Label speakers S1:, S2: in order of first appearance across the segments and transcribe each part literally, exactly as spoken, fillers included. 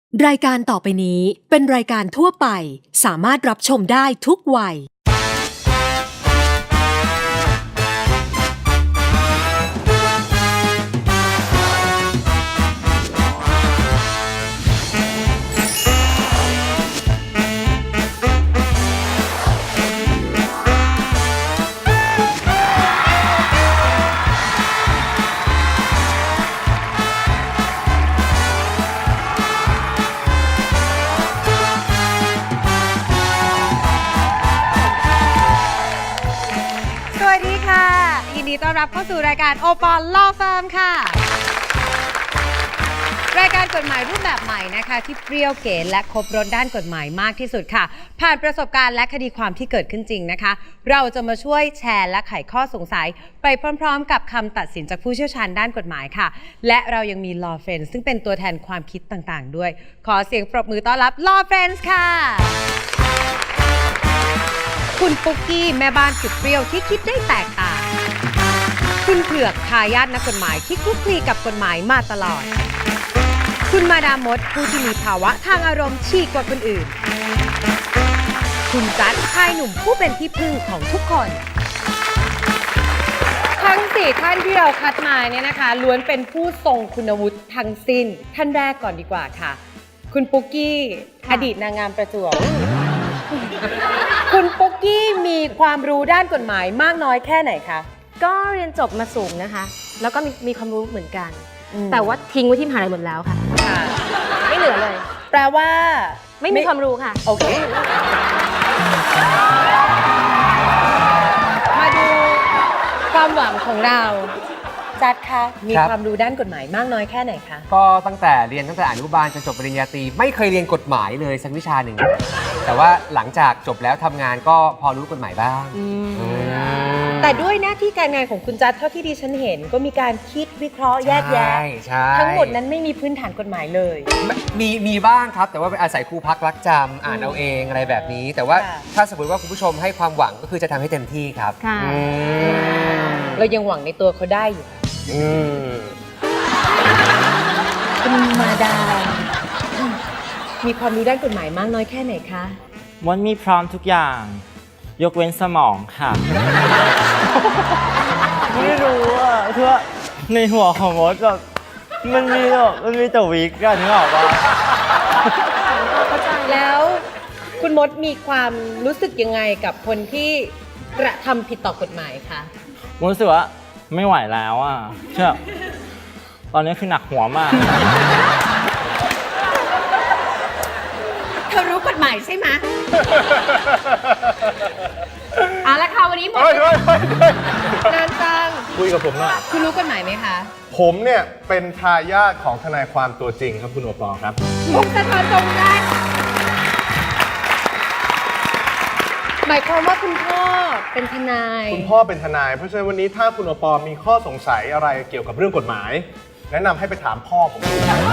S1: รายการต่อไปนี้เป็นรายการทั่วไปสามารถรับชมได้ทุกวัย
S2: สวัสดีค่ะยินดีต้อนรับเข้าสู่รายการโอปอลลอเฟิร์มค่ะรายการกฎหมายรูปแบบใหม่นะคะที่เปรี้ยวเก๋และครบรสด้านกฎหมายมากที่สุดค่ะผ่านประสบการณ์และคดีความที่เกิดขึ้นจริงนะคะเราจะมาช่วยแชร์และไขข้อสงสัยไปพร้อมๆกับคำตัดสินจากผู้เชี่ยวชาญด้านกฎหมายค่ะและเรายังมี Law Friends ซึ่งเป็นตัวแทนความคิดต่างๆด้วยขอเสียงปรบมือต้อนรับ Law Friends ค่ะคุณปุ๊กกี้แม่บ้านสุดเปรี้ยวที่คิดได้แตกต่างคุณเผือกทายาทนักกฎหมายที่คลุกคลีกับกฎหมายมาตลอดคุณมาดามมดผู้ที่มีภาวะทางอารมณ์ฉีกกว่าคนอื่นคุณจัดชายหนุ่มผู้เป็นที่พึ่งของทุกคนทั้งสี่ท่านที่เราคัดมาเนี่ยนะคะล้วนเป็นผู้ทรงคุณวุฒิทั้งสิ้นท่านแรกก่อนดีกว่าค่ะคุณปุ๊กกี้อดีตนางงามประจวบคุณปุ๊กกี้มีความรู้ด้านกฎหมายมากน้อยแค่ไหนคะ
S3: ก็เรียนจบมาสูงนะคะแล้วก็มีมีความรู้เหมือนกันแต่ว่าทิ้งไว้ที่มหาลัยหมดแล้วค่ะไม่เหลือเลย
S2: แปลว่า
S3: ไม่มีความรู้ค่ะ
S2: โอเคมาดูความหวังของเราจัดคะมีความรู้ด้านกฎหมายมากน้อยแค่ไหนคะ
S4: ก็ตั้งแต่เรียนตั้งแต่อนุบาลจนจบปริญญาตรีไม่เคยเรียนกฎหมายเลยสักวิชาหนึ่งแต่ว่าหลังจากจบแล้วทำงานก็พอรู้กฎหมายบ้าง
S2: แต่ด้วยหน้าที่การงานของคุณจัดเท่าที่ดิฉันเห็นก็มีการคิดวิเคราะห์แยกแยะทั้งหมดนั้นไม่มีพื้นฐานกฎหมายเลย
S4: มีมีบ้างครับแต่ว่าเป็นอาศัยครูพักรักจำอ่านเอาเองอะไรแบบนี้แต่ว่าถ้าสมมติว่าคุณผู้ชมให้ความหวังก็คือจะทำให้เต็มที่ครับ
S2: เรายังหวังในตัวเขาได้อยู่คุณมาดามมีความรู้ด้านกฎหมายมากน้อยแค่ไหนคะ
S5: มดมีพร้อมทุกอย่างยกเว้นสมองค่ะ ไม่รู้อ่ะคือว่าในหัวของมดแบบมันมีแบบมันมีแต่วิกกันนึกออกปะ
S2: แล้วคุณมดมีความรู้สึกยังไงกับคนที่กระทำผิดต่อกฎหมายคะ
S5: มดรู้สึกว่าไม่ไหวแล้วอ่ะเชื่อตอนนี้คือหนักหัวมาก
S2: เธอรู้กฎหมายใช่ไหมเอาละค่ะวันนี้หมดนานจัง
S6: คุยกับผมหน่อย
S2: คุณรู้กฎหมายไหมคะ
S6: ผมเนี่ยเป็นทายาทของทนายความตัวจริงครับคุณโอปอครับ
S2: ผมสะท้อนตรงได้หมายความว่าคุณพ่อเป็นทนาย
S6: คุณพ่อเป็นทนายเพราะฉะนั้นวันนี้ถ้าคุณโอปอมีข้อสงสัยอะไรเกี่ยวกับเรื่องกฎหมายแนะนำให้ไปถามพ่อผม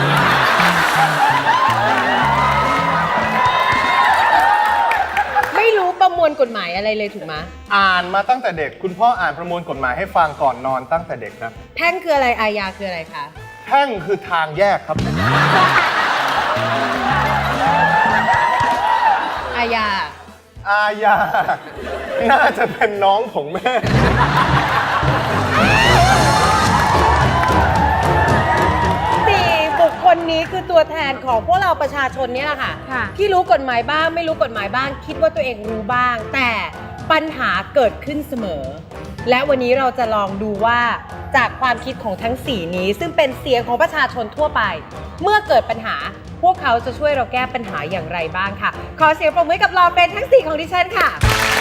S2: ไม่รู้ประมวลกฎหมายอะไรเลยถูกไหม
S6: อ่านมาตั้งแต่เด็กคุณพ่ออ่านประมวลกฎหมายให้ฟังก่อนนอนตั้งแต่เด็กครับ
S2: แพ่งคืออะไรอาญาคืออะไรคะ
S6: แพ่งคือทางแยกครับ
S2: อาญา
S6: อาญาน่าจะเป็นน้องของแม่
S2: สี่บุคคลนี้คือตัวแทนของพวกเราประชาชนนี่แหละค่ะที่รู้กฎหมายบ้างไม่รู้กฎหมายบ้างคิดว่าตัวเองรู้บ้างแต่ปัญหาเกิดขึ้นเสมอและวันนี้เราจะลองดูว่าจากความคิดของทั้งสี่นี้ซึ่งเป็นเสียงของประชาชนทั่วไปเมื่อเกิดปัญหาพวกเขาจะช่วยเราแก้ปัญหาอย่างไรบ้างค่ะขอเสียงปรบมือกับLaw Friendsทั้งสี่ของดิฉันค่ะ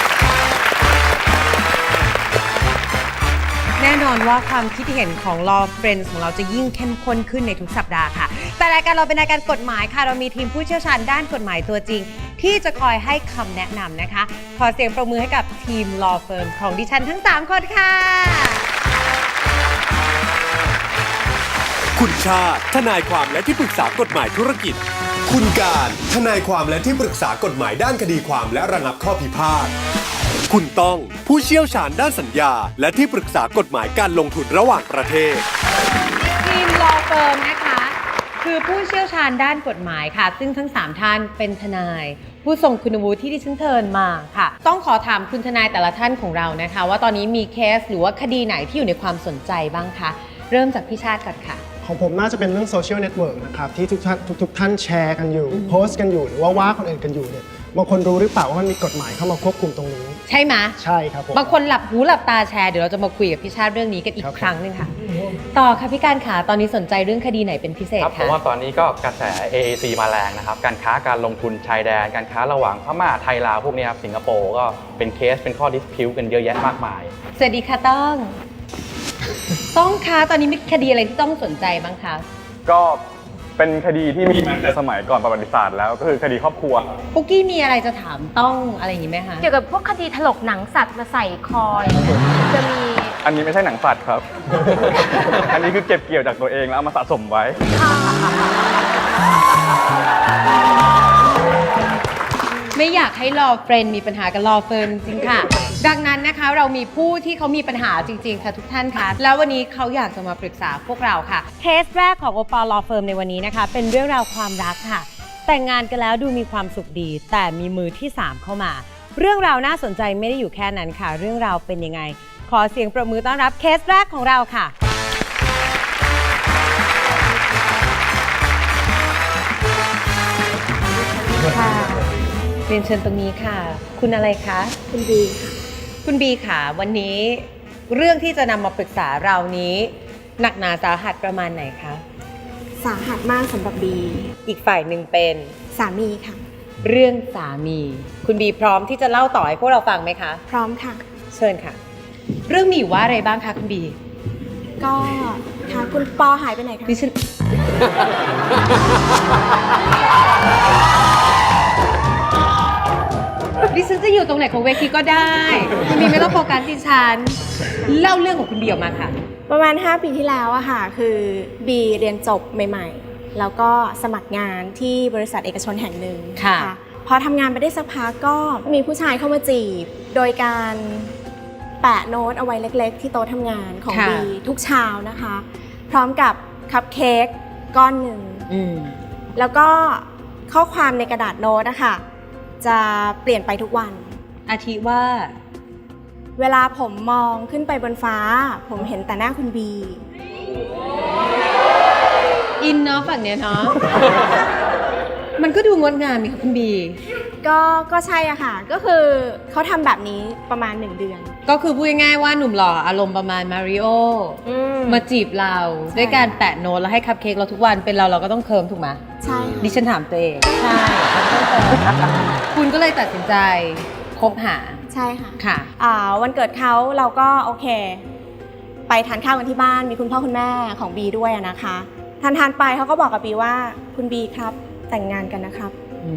S2: แน่นอนว่าความคิดเห็นของ Law Friends ของเราจะยิ่งเข้มข้นขึ้นในทุกสัปดาห์ค่ะแต่รายการเราเป็นรายการกฎหมายค่ะเรามีทีมผู้เชี่ยวชาญด้านกฎหมายตัวจริงที่จะคอยให้คำแนะนำนะคะขอเสียงปรบมือให้กับทีม Law Firm ของดิฉันทั้งสามคนค่ะ
S7: คุณชาติทนายความและที่ปรึกษากฎหมายธุรกิจคุณการทนายความและที่ปรึกษากฎหมายด้านคดีความและระงับข้อพิพาทคุณต้องผู้เชี่ยวชาญด้านสัญญาและที่ปรึกษากฎหมายการลงทุนระหว่างประเทศ
S2: ทีม Law Firm นะคะคือผู้เชี่ยวชาญด้านกฎหมายค่ะ ซึ่งทั้งสามท่านเป็นทนาย ผู้ทรงคุณวุฒิที่ดิฉันเชิญมาค่ะ ต้องขอถามคุณทนายแต่ละท่านของเรานะคะ ว่าตอนนี้มีเคสหรือว่าคดีไหนที่อยู่ในความสนใจบ้างคะเริ่มจากพี่ชาติก่อนค่ะ
S8: ของผมน่าจะเป็นเรื่องโซเชียลเน็ตเวิร์กนะครับที่ทุกท่านทุกๆท่านแชร์กันอยู่โพสต์กันอยู่หรือว่าว่าคนอื่นกันอยู่เนี่ยบางคนรู้หรือเปล่าว่ามันมีกฎหมายเข้ามาควบคุมตรงนี้
S2: ใช่ไหม
S8: ใช่ครับผม
S2: บางคนหลับหูหลับตาแชร์เดี๋ยวเราจะมาคุยกับพี่ชาติเรื่องนี้กันอี
S8: ครั
S2: ก
S8: บ
S2: ครั้งหนึงค่ะ ต่อค่ะพี่การขาตอนนี้สนใจเรื่องคดีไหนเป็นพิเศษ
S9: ครับผ
S2: คะ
S9: มว่าตอนนี้ก็กระแส เอ เอ ซี มาแรงนะครับ การค้าการลงทุนชายแดน การค้าระหว่างพม่าไทยลาวพวกนี้ครับสิงคโปร์ก็เป็นเคสเป็นข้อดิสพิวกันเยอะแยะมากมาย
S2: สวัสดีค่ะต้อง ต้องคะตอนนี้มีคดีอะไรที่ต้องสนใจบ้างคะ
S10: ก็เป็นคดีที่มีมาแต่สมัยก่อนประวัติศาสตร์แล้วก็คือคดีครอบครัว
S2: ปุ๊กกี้มีอะไรจะถามต้องอะไรอย่างนี้ไหมคะ
S3: เกี่ยวกับพวกคดีถลกหนังสัตว์มาใส่คออย่างเงี้ยจะมี
S10: อันนี้ไม่ใช่หนังสัตว์ครับ อันนี้คือเก็บเกี่ยวจากตัวเองแล้วเอามาสะสมไว้
S2: ไม่อยากให้รอเฟรนมีปัญหากับรอเฟิร์นจริงๆค่ะ ดังนั้นนะคะเรามีผู้ที่เขามีปัญหาจริงๆค่ะทุกท่านคะแล้ววันนี้เขาอยากจะมาปรึกษาพวกเราค่ะเคสแรกของโอปอลลอเฟิร์มในวันนี้นะคะเป็นเรื่องราวความรักค่ะ แต่งงานกันแล้วดูมีความสุขดี แต่มีมือที่สามเข้ามา เรื่องราวน่าสนใจไม่ได้อยู่แค่นั้นค่ะ เรื่องราวเป็นยังไง ขอเสียงปรบมือต้อนรับเคสแรกของเราค่ะค่ะเรียนเชิญตรงนี้ค่ะ คุณอะไรคะ
S11: คุณบีค่ะ
S2: คุณบีค่ะวันนี้เรื่องที่จะนำมาปรึกษาเรานี้หนักหนาสาหัสประมาณไหนคะ
S11: สาหัสมากสำหรับบี
S2: อีกฝ่ายหนึ่งเป็น
S11: สามีค่ะ
S2: เรื่องสามี คุณบีพร้อมที่จะเล่าต่อให้พวกเราฟังไหมคะ
S11: พร้อมค่ะ
S2: เชิญค่ะ เรื่องมีอยู่ว่าอะไรบ้างคะคุณบี
S11: ก็ค่ะคุณปอหายไปไหนคะ
S2: ดิฉัน ดิฉันจะอยู่ตรงไหนของเวทีก็ได้ คุณบีไม่ต้องโฟกัสดิฉันเล่าเรื่องของคุณบีออกมาค่ะ
S11: ประมาณห้าปีที่แล้วอะค่ะ คือบีเรียนจบใหม่ๆ แล้วก็สมัครงานที่บริษัทเอกชนแห่งหนึ่ง
S2: ค่ะ
S11: พอทำงานไปได้สักพักก็มีผู้ชายเข้ามาจีบ โดยการแปะโน้ตเอาไว้เล็กๆ ที่โต๊ะทำงานของ
S2: ค่ะ
S11: บีทุกเช้านะคะ พร้อมกับคัพเค้กก้อนหนึ่ง
S2: อืม
S11: แล้วก็ข้อความในกระดาษโน้ตนะคะจะเปลี่ยนไปทุกวัน
S2: อาทิว่า
S11: เวลาผมมองขึ้นไปบนฟ้า ผมเห็นแต่หน้าคุณบี
S2: อินเนาะฝั่งเนี้ยเนาะ มันก็ดูงดงามมีค่ะคุณบี
S11: ก็ก็ใช่อะค่ะ ก็คือเขาทำแบบนี้ประมาณหนึ่งเดือน
S2: ก็คือพูดง่ายๆว่าหนุ่มหล่ออารมณ์ประมาณมาริโอมาจีบเราด้วยการแปะโน้ตแล้วให้คัพเค้กเราทุกวันเป็นเราเราก็ต้องเคิร์มถูกไหม
S11: ใช่ค่ะ
S2: ดิฉันถามตัวเอง ใช่คุณก็เลยตัดสินใจคบหา
S11: ใช่ค่ะ
S2: ค่ะ
S11: อ่าวันเกิดเขาเราก็โอเค ไปทานข้าวกันที่บ้านมีคุณพ่อคุณแม่ของบีด้วยอะนะคะทานทานๆไปเขาก็บอกกับบีว่าคุณบีครับแต่งงานกันนะครับ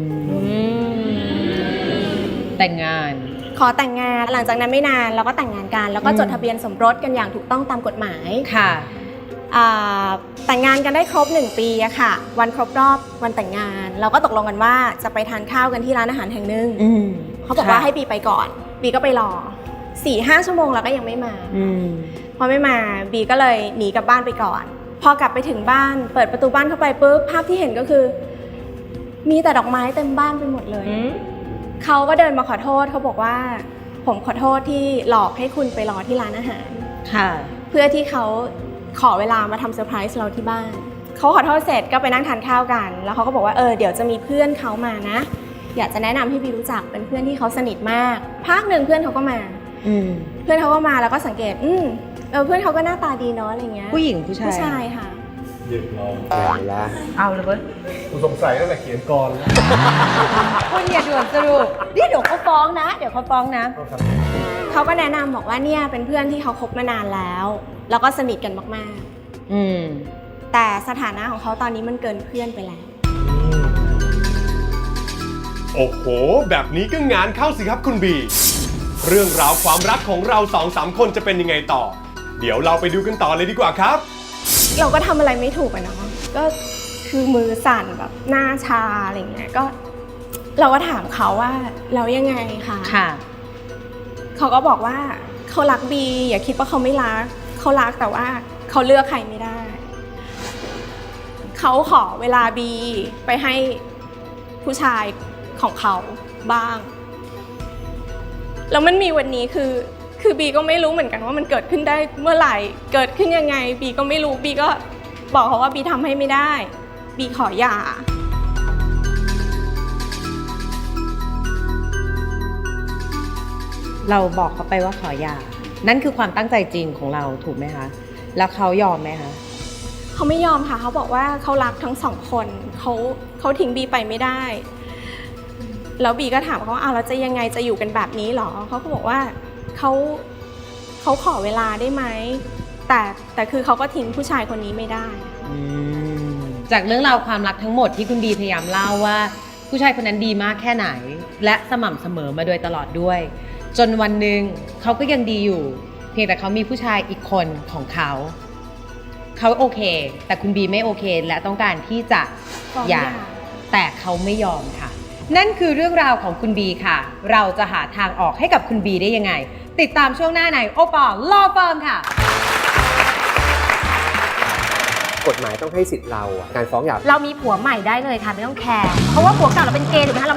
S2: แต่งงาน
S11: ขอแต่งงานหลังจากนั้นไม่นานเราก็แต่งงานกัน แล้วก็จดทะเบียนสมรสกันอย่างถูกต้องตามกฎหมาย
S2: ค่ะ
S11: อ่าแต่งงานกันได้ครบหนึ่งปีอะค่ะ วันครบรอบวันแต่งงาน เราก็ตกลงกันว่าจะไปทานข้าวกันที่ร้านอาหารแห่งหนึ่ง
S2: อืม
S11: เขาบอกว่าให้บีไปก่อนบีก็ไปรอสี่ห้าชั่วโมงแล้วก็ยังไม่มา
S2: อืม
S11: พอไม่มาบีก็เลยหนีกลับบ้านไปก่อน พอกลับไปถึงบ้านเปิดประตูบ้านเข้าไปปุ๊บภาพที่เห็นก็คือ มีแต่ดอกไม้เต็มบ้านไปหมดเลยเขาก็เดินมาขอโทษเขาบอกว่า ผมขอโทษที่หลอกให้คุณไปรอที่ร้านอาหาร
S2: ค่ะ
S11: เพื่อที่เขาขอเวลามาทำเซอร์ไพรส์เราที่บ้านเขาขอโทษเสร็จก็ไปนั่งทานข้าวกัน แล้วเขาก็บอกว่าเออเดี๋ยวจะมีเพื่อนเขามานะ อยากจะแนะนำให้บีรู้จักเป็นเพื่อนที่เขาสนิทมากพักหนึ่งเพื่อนเขาก็มา
S2: อืม
S11: เพื่อนเขาก็มาแล้วก็สังเกต อืมเออเพื่อนเขาก็หน้าตาดีเนาะอะไรเงี้ย
S2: ผู้หญิงผู้ชาย
S11: ผู้ชายค่ะ
S6: หยิบลอง
S2: เอาเลยเว้ย
S6: กูสงสัยตั้งแต่เขียนกรแล้ว
S2: คุณอย่าด่วนสรุปนี่เดี๋ยวเขาฟ้องนะ เดี๋ยวเขาฟ้องนะ
S11: เขาก็แนะนำบอกว่าเนี่ยเป็นเพื่อนที่เขาคบมานานแล้ว แล้วก็สนิทกันมาก
S2: อืม
S11: ๆ แต่สถานะของเขาตอนนี้มันเกินเพื่อนไปแล้ว
S7: โอ้โห แบบนี้ก็งานเข้าสิครับคุณบี เรื่องราวความรักของเราสองสามคนจะเป็นยังไงต่อ เดี๋ยวเราไปดูกันต่อเลยดีกว่าครับ
S11: เราก็ทำอะไรไม่ถูกอะเนาะก็คือมือสั่นแบบหน้าชาอะไรเงี้ยก็เราก็ถามเขาว่าเรายังไงคะ
S2: ค่ะ
S11: เขาก็บอกว่าเขารักบีอย่าคิดว่าเขาไม่รักเขารักแต่ว่าเขาเลือกใครไม่ได้เขเขาขอเวลาบีไปให้ผู้ชายของเขาบ้างแล้วมันมีวันนี้คือคือบีก็ไม่รู้เหมือนกันว่ามันเกิดขึ้นได้เมื่อไหร่เกิดขึ้นยังไงบีก็ไม่รู้บีก็บอกเขาว่าบีทำให้ไม่ได้บีขอหย่า
S2: เราบอกเขาไปว่าขอหย่านั่นคือความตั้งใจจริงของเราถูกไหมคะแล้วเขายอมไหมคะ
S11: เขาไม่ยอมค่ะเขาบอกว่าเขารักทั้งสองคนเขาเขาทิ้งบีไปไม่ได้แล้วบีก็ถามเขาว่าอ้าวแล้วจะยังไงจะอยู่กันแบบนี้หรอเขาก็บอกว่าเขาเขาขอเวลาได้ไหมแต่แต่คือเขาก็ทิ้งผู้ชายคนนี้ไม่ได้
S2: จากเรื่องราวความรักทั้งหมดที่คุณบีพยายามเล่าว่าผู้ชายคนนั้นดีมากแค่ไหนและสม่ำเสมอมาโดยตลอดด้วยจนวันหนึ่งเขาก็ยังดีอยู่เพียงแต่เขามีผู้ชายอีกคนของเขาเขาโอเคแต่คุณบีไม่โอเคและต้องการที่จะหย่าแต่เขาไม่ยอมค่ะนั่นคือเรื่องราวของคุณบีค่ะเราจะหาทางออกให้กับคุณบีได้ยังไงติดตามช่วงหน้าในโอปอล์ลอเฟิร์มค่ะ
S4: กฎหมายต้องให้สิทธิ์เราอะการฟ้องหย่า
S3: เรามีผัวใหม่ได้เลยค่ะไม่ต้องแคร์เพราะว่าผัวเก่าเราเป็นเกย์ถูกไหมคะ